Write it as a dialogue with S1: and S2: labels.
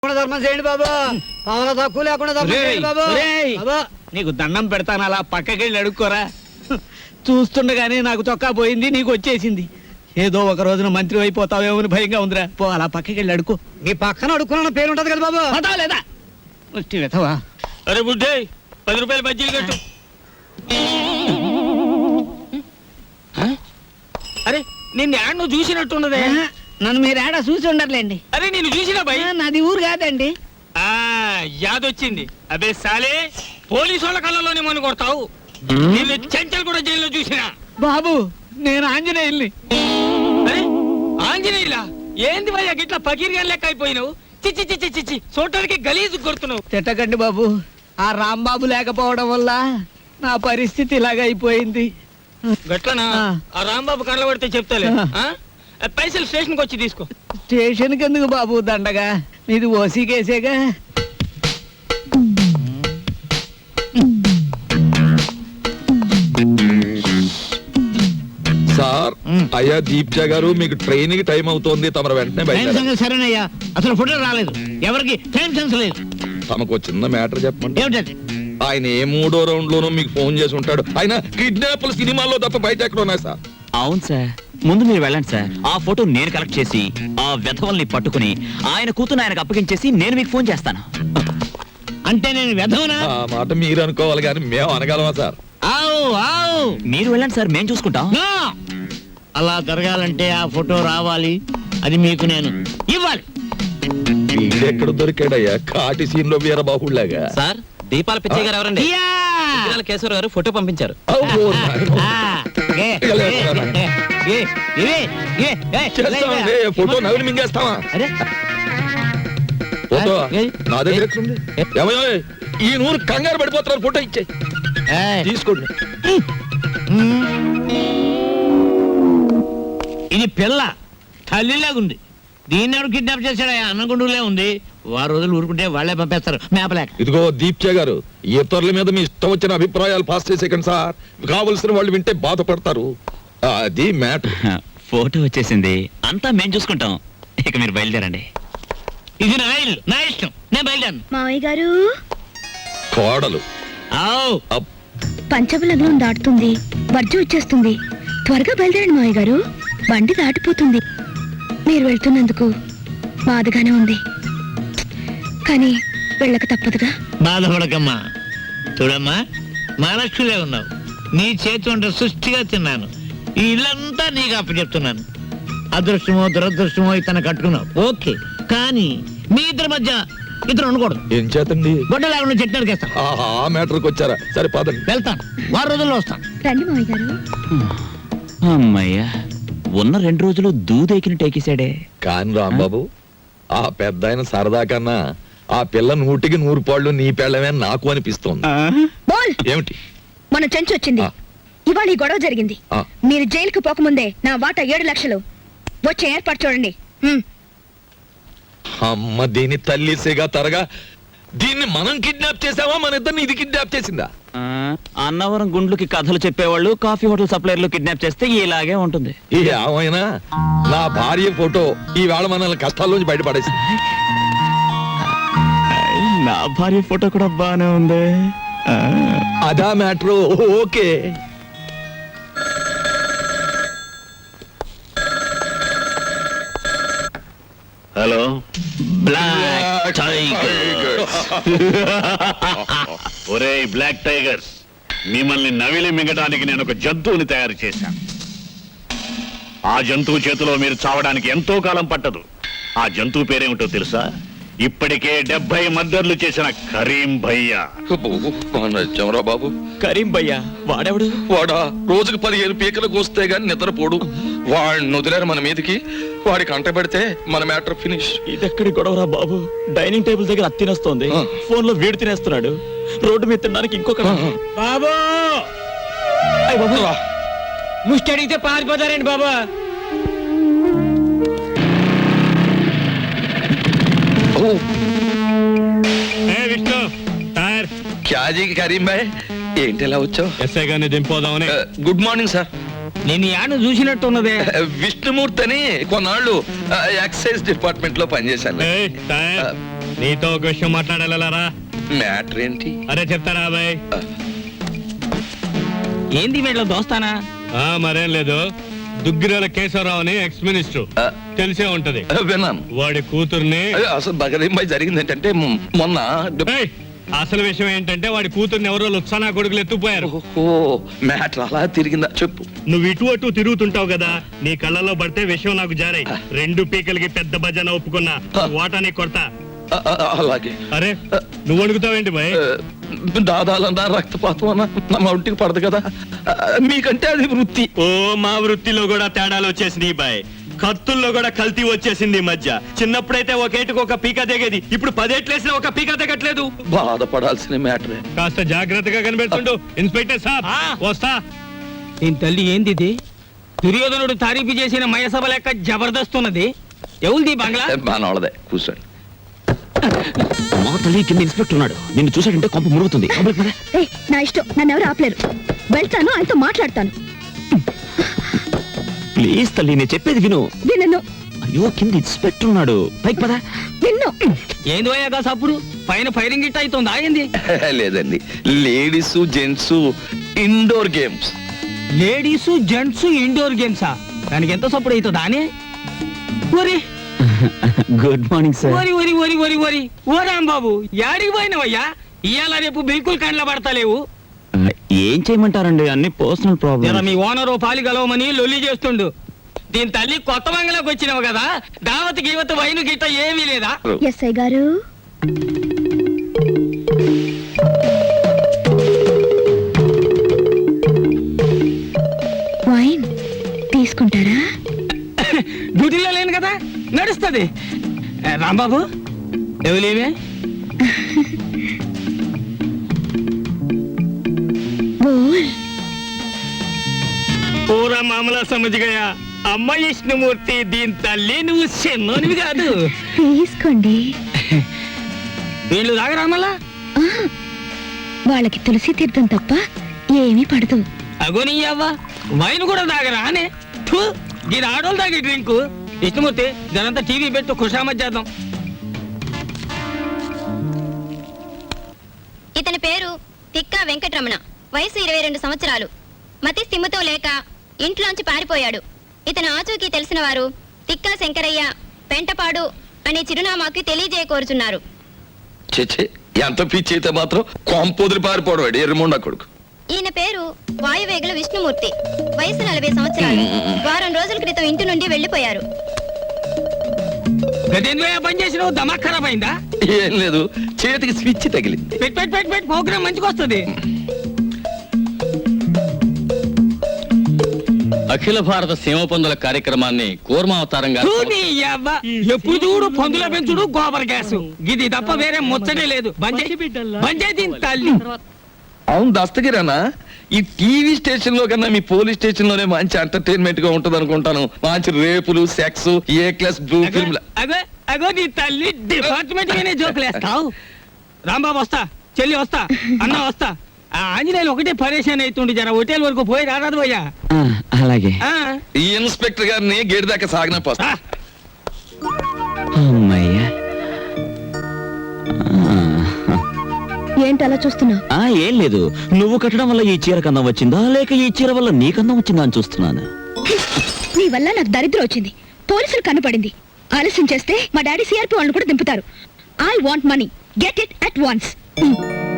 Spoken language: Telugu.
S1: ధర్మం చేయండి బాబు. పావుల తక్కువ లేకుండా ధర్మం చేయండి బాబు. బాబు
S2: నీకు దండం పెడతాను, అలా పక్కకెళ్ళి అడుక్కోరా. చూస్తుండగానే నాకు చొక్కా పోయింది, నీకు వచ్చేసింది. ఏదో ఒక రోజున మంత్రి అయిపోతావేమో అని భయంగా ఉందిరా. పో అలా పక్కకెళ్ళి అడుకో.
S1: మీ పక్కన అడుక్కున్న పేరు ఉంటది కదా బాబు.
S2: పదా లేదా వెతవా?
S3: అరే బుడ్డే 10 రూపాయలు బజ్జీలు కట్టు. అరే నిన్ను యాడ్ నువ్వు చూసినట్టున్నదే.
S2: నన్ను మీరు ఏడా చూసి ఉండర్లేండి.
S3: అరే నిన్ను చూసినా భయ్.
S2: నాది ఊరు కాదండి.
S3: యాదొచ్చింది. అబే సాలే, పోలీసు వాళ్ళ కళ్ళలోనే మన కొడతావు. నిన్ను చెంచల్ కూడా జైల్లో చూసినా.
S2: బాబు నేను ఆంజనేయుల్ని.
S3: అరే ఆంజనేయులా? ఏంది భయ్యా గిట్లా పకీర్గా లెక్క అయిపోయినావు? చిచ్చి చిచ్చి చిచ్చి చూడటానికి గలీజు కొడుతున్నావు.
S2: తిట్టకండి బాబు, ఆ రాంబాబు లేకపోవడం వల్ల నా పరిస్థితి ఇలాగ అయిపోయింది.
S3: గట్లనా? ఆ రాంబాబు కళ్ళ పడితే చెప్తాలే. పైసలు స్టేషన్కి వచ్చి తీసుకో.
S2: స్టేషన్కి ఎందుకు బాబు దండగా? నీది ఓసీ కేసేగా.
S4: సార్, అయ్యా దీప్జా గారు, మీకు ట్రైన్ కి టైం అవుతోంది, తమరు వెంటనే బయట.
S2: సరేనయ్యా, అసలు ఫోటో రాలేదు, ఎవరికి టైం సెన్స్ లేదు.
S4: తమకు చిన్న మ్యాటర్ చెప్పండి.
S2: ఏమిటది?
S4: ఆయన ఏ 3వ రౌండ్ లోనూ మీకు ఫోన్ చేసి ఉంటాడు. ఆయన కిడ్నాప్లు సినిమాల్లో తప్ప బయట ఎక్కడ ఉన్నాయి సార్?
S5: అవును సార్, ముందు మీరు వెళ్ళండి సార్. ఆ ఫోటో నేను కలెక్ట్ చేసి ఆ వెధవల్ని పట్టుకుని ఆయన కూతురు ఆయనకు అప్పగించేసి నేను మీకు ఫోన్ చేస్తాను.
S2: అంటే నేను వెధవనా?
S4: ఆ మాట మీరు అనుకోవాలి కానీ మేము అనగలమా సార్?
S5: మీరు వెళ్ళండి సార్, మేము చూసుకుంటాం.
S2: అలా జరగాలంటే ఆ ఫోటో రావాలి, అది మీకు నేను ఇవ్వాలి.
S4: వీడెక్కడ దొరికాడయ్యా కాటి సీన్ లో వీరబాహుళ్లాగా?
S5: సార్, దీపాల పిచ్చయ్య గారు ఎవరండి? కేశవరావు గారు ఫోటో పంపించారు.
S4: ఫోటో నవ్వులు మింగేస్తావా? ఫోటో నా దగ్గర ఉంది. ఏమయ్యో, ఈ నూరు కంగారు పడిపోతున్నారు, ఫోటో ఇచ్చే తీసుకోండి.
S2: ఇది పిల్ల తల్లిలాగుంది. దీన్ని ఎవరు కిడ్నాప్ చేశాడా? అన్నగుండులే ఉంది. వారు రోజులు ఊరుకుంటే వాళ్ళే పంపేస్తారు మేపలేక.
S4: ఇదిగో దీప్జా గారు, ఇతరుల మీద మీ ఇష్టం వచ్చిన అభిప్రాయాలు పాస్ చేసేకండి సార్. కావలసిన వాళ్ళు వింటే బాధపడతారు. అది మ్యాటర్.
S5: ఫోటో వచ్చేసింది, అంతా మేము చూసుకుంటాం. ఇక మీరు బయలుదేరండి.
S2: ఇది నా ఇల్లు, నా ఇష్టం, నేను బయలుదేరను.
S6: మావయ్య గారు,
S4: కోడలు
S6: పంచబలగ్నం దాటుతుంది, వర్జం వచ్చేస్తుంది. త్వరగా బయలుదేరండి మావయ్య గారు, బండి దాటిపోతుంది. మీరు వెళ్తున్నందుకు బాధగానే ఉంది, కానీ వెళ్ళక తప్పదుగా.
S2: బాధపడకమ్మా. చూడమ్మా, మహాలక్ష్మిలే ఉన్నావు. నీ చేతి వంట సృష్టిగా తిన్నాను. ఈ ఇల్లంతా నీకు అప్పచెప్తున్నాను. అదృష్టమో దురదృష్టమో ఇతను కట్టుకున్నావు, ఓకే. కానీ మీ ఇద్దరి మధ్య ఇతను ఉండకూడదు.
S4: ఏం చేతండి?
S2: గొడ్డ లేకుండా చెట్టు నరికేస్తాను.
S4: ఆ మ్యాటర్కి వచ్చారా? సరే పదండి.
S2: వెళ్తాను, వారం రోజుల్లో వస్తాను.
S6: రండి మావయ్య గారు.
S5: అమ్మయ్యా, ఉన్న 2 రోజులు దూదెకిని టేకేశాడే.
S4: కాని రాంబాబు, ఆ పెద్ద ఆయన సరదా కన్నా ఆ పిల్ల 100కి 100 పాళ్ళు నీ పెళ్ళమే నాకు అనిపిస్తోంది.
S6: బోల్!
S4: ఏమిటి?
S6: మన చెంచు వచ్చింది. ఇవాళ ఈ గొడవ జరిగింది. మీరు జైలుకు పోకముందే నా వాటా 7 లక్షలు వచ్చే ఏర్పాటు చూడండి.
S4: అమ్మ దీని తల్లిసేగా తరగా. దీన్ని మనం కిడ్నాప్ చేసావా, మన ఇద్దరిని ఇది కిడ్నాప్ చేసిందా?
S5: అన్నవరం గుండ్లకి కథలు చెప్పేవాళ్ళు కాఫీ హోటల్ సప్లైర్లు కిడ్నాప్ చేస్తే ఇలాగే ఉంటుంది.
S4: ఏమైనా నా భార్య ఫోటో ఈవేళ మనల్ని కష్టాల్లోంచి బయటపడేసింది.
S5: నా భార్య ఫోటో కూడా బానే ఉంది.
S4: అదా matter. Okay.
S5: Hello, black tigers.
S7: ఒరేయ్ బ్లాక్ టైగర్స్, మిమ్మల్ని నవిలి మింగడానికి నేను ఒక జంతువుని తయారు చేశాను. ఆ జంతువు చేతిలో మీరు చావడానికి ఎంతో కాలం పట్టదు. ఆ జంతువు పేరేమిటో తెలుసా? ఇప్పటికే 70 మర్డర్లు చేసిన కరీం భయ్యా.
S4: బాబు,
S5: కరీం భయ్యా వాడెవడు?
S4: వాడా రోజుకు 15 పీకలకు వస్తే గాని నిద్రపోడు. వాడిని వదిలేరు మన మీదకి. వాడికి అంట పెడితే మన మ్యాటర్ ఫినిష్.
S5: ఇదెక్కడి గొడవరా బాబు? డైనింగ్ టేబుల్ దగ్గర అత్తినేస్తోంది, ఫోన్ లో వీడు తినేస్తున్నాడు, రోడ్డు మీద తినడానికి ఇంకొక.
S2: బాబు ముష్టి అడిగితే పారిపోతారండి బాబా.
S3: విష్ణు టైర్
S4: క్యాజీ కరీం భాయ్, ఏంటి ఎలా వచ్చావు?
S3: ఎస్ఐ గారిని దింపోదామని.
S4: Good morning sir.
S2: నేను యాను చూసినట్టున్నదే.
S4: విష్ణుమూర్తి అని కొన్నాళ్ళు ఎక్సైజ్ డిపార్ట్మెంట్ లో పనిచేశాను.
S8: నీతో ఒక విషయం మాట్లాడాలరా.
S4: మ్యాటర్ ఏంటి?
S8: అరే చెప్తారా అబ్బాయి?
S3: ఏంది వీళ్ళ దోస్తానా?
S8: మరేం లేదు, దుగ్గిరాల కేశవరావు అని ఎక్స్ మినిస్టర్, తెలిసే ఉంటది.
S4: విన్నాను.
S8: వాడి కూతుర్ని
S4: అసలు బగరింపై జరిగింది ఏంటంటే మొన్న
S8: ఏయ్, అసలు విషయం ఏంటంటే వాడి కూతుర్ని ఎవరో లుత్సానా కొడుకులు ఎత్తుపోయారు.
S4: మ్యాటర్ అలా తిరిగిందా చెప్పు.
S8: నువ్వు ఇటు అటు తిరుగుతుంటావు కదా, నీ కళ్ళలో పడితే విషయం నాకు జారాయి. 2 పీకలకి పెద్ద భజన ఒప్పుకున్నా, వాటాని కొడతా.
S4: అలాగే.
S8: అరే నువ్వు అడుగుతావేంటి బాయ్?
S4: దాదాలన్నా రక్తపాతం అన్నా నా ఒంటికి పడదు కదా, మీకంటే అది వృత్తి.
S9: ఓ మా వృత్తిలో కూడా తేడాలు వచ్చేసినాయి బాయ్. కత్తుల్లో కూడా కల్తీ వచ్చేసింది ఈ మధ్య. చిన్నప్పుడైతే ఒకేటికి ఒక పీక దిగేది, ఇప్పుడు 10 ఏట్లేసినా ఒక పీక దిగట్లేదు.
S4: బాధపడాల్సిన మ్యాటరే.
S8: కాస్త జాగ్రత్తగా కనిపెడుతుండు ఇన్స్పెక్టర్ సాబ్. వస్తా.
S3: దీని తల్లి ఏంది ఇది? దుర్యోధనుడు తారీఫు చేసిన మయసభ లెక్క జబర్దస్త్ ఉన్నది. ఎవరిది బంగ్లా?
S4: బానోళ్ళదే, కూర్చోండి.
S5: మా తల్లి కింద ఇన్స్పెక్టర్ ఉన్నాడు, నిన్ను చూసాడంటే కొంప మురుగుతుంది.
S6: ఏయ్, నా ఇష్టం, నన్ను ఎవరు ఆపలేరు. వెళ్తాను, ఆయనతో మాట్లాడతాను.
S5: ప్లీజ్ తల్లి, నేను చెప్పేది విను.
S6: విన్ను
S5: అయ్యో, కింద ఇన్స్పెక్టర్ ఉన్నాడు, పైకి పదా.
S6: విన్ను.
S3: ఏంది పోయాగా సప్పుడు పైన ఫైరింగ్ గిట్ అవుతుందా ఏంది?
S4: లేదండి, ladies gents indoor games.
S3: Ladies gents indoor గేమ్సా? దానికి ఎంత సప్పుడు అవుతుందా అని? ఒరి
S5: గుడ్ మార్నింగ్ సార్.
S3: ఒరి ఒరి ఒరి ఒరి ఒరి ఓ రాంబాబు, యాడికి పోయినవయ్యా? ఇవాళ రేపు బిల్కుల్ కండ్ల పడతలేవు.
S5: ఏం చేయమంటారండి, అన్ని పర్సనల్
S3: జర
S5: ప్రాబ్లమ్.
S3: మీ ఓనరు పాలి గలవమని లొల్లి చేస్తుండు. దీని తల్లి కొత్త బంగ్లాకి వచ్చినావు కదా, దావత్ గీవత్ వైను గిట్ట ఏమీ లేదా?
S6: ఎస్ఐ గారు, వైన్ తీసుకుంటారా?
S3: డ్యూటీలో లేను కదా, నడుస్తుంది. రాంబాబు ఎవలేమే?
S6: బోల్.
S3: పూరా మామలా సమజ్గయా. అమ్మ విష్ణుమూర్తి, దీని తల్లి నువ్వు చిన్నోనివి కాదు.
S6: తీసుకోండి.
S3: వీళ్ళు తాగరా మళ్ళా?
S6: ఆ, వాళ్ళకి తులసి తీర్థం తప్ప ఏమీ పడదు.
S3: అగోని అవ్వ, వైన్ కూడా తాగరా అనే? దీని ఆడోళ్ళు తాగే డ్రింక్. విష్ణుమూర్తి, దానంతా టీవీ పెట్టు, ఖుషామత్ చేద్దాం.
S10: ఇతని పేరు తిక్కా వెంకటరమణ, వయసు 22 సంవత్సరాలు. మతి స్థిమితో లేక ఇంట్లోంచి పారిపోయాడు. ఇతను ఆచూకీ తెలిసిన వారు తిక్కా శంకరయ్య, పెంటపాడు అనే చిరునామాకి తెలియజేయకోరుచున్నారు.
S4: చెచ్చే, ఎంత పిచ్చి అయితే మాత్రం కొంపొదిరి పారిపోవడం ఎర్రమొండ కొడుకు.
S10: ఈయన పేరు వాయువేగుల విష్ణుమూర్తి, వయసు 40 సంవత్సరాలు. వారం రోజుల క్రితం ఇంటి నుండి వెళ్లిపోయారు.
S3: గదేంద్రయ్య పని చేసినావు, దమాక్ ఖరాబ్ అయిందా?
S4: ఏం లేదు, చేతికి స్విచ్ తగిలింది.
S3: పెట్ పెట్ పెట్ పెట్ ప్రోగ్రామ్ మంచిగా వస్తుంది.
S9: అఖిల భారత సీమ పందుల కార్యక్రమాన్ని కూర్మావతారంగా
S3: ఎప్పుడు చూడు పందుల పెంచుడు, గోబర్ గ్యాస్, ఇది తప్ప వేరే ముచ్చటే లేదు. బంజే దీని తల్లి.
S4: అవును దస్తగిరానా, ఈ టీవీ స్టేషన్ లో కన్నా మీ పోలీస్ స్టేషన్ లోనే మంచి ఎంటర్టైన్మెంట్ గా ఉంటది అనుకుంటాను. మంచి రేపులు, sex, A class blue film.
S3: అగో అగో నీ తల్లి, డిపార్ట్మెంట్ మీనే జోకులేస్తావు. రాంబాబు వస్తా, చెల్లి వస్తా, అన్న వస్తా. ఆ ఆంజనేయులు ఒకటే పరేషాన్ అవుతుండే, జర హోటల్ వరకు పోయి రారాదు పోయా.
S5: అలాగే.
S4: ఈ ఇన్స్పెక్టర్ గారిని గేట్ దాకా సాగిన పోస్తా.
S5: అమ్మయ్యా.
S6: ఏంటి అలా చూస్తున్నావు?
S5: ఏం లేదు, నువ్వు కట్టడం వల్ల ఈ చీర కందం వచ్చిందా, లేక ఈ చీర వల్ల నీ కందం వచ్చిందా అని చూస్తున్నాను.
S6: నీ వల్ల నాకు దరిద్రం వచ్చింది. పోలీసులు కనపడింది. ఆలస్యం చేస్తే మా డాడీ సిఆర్పి వాళ్ళని కూడా దింపుతారు. I want money, get it at once.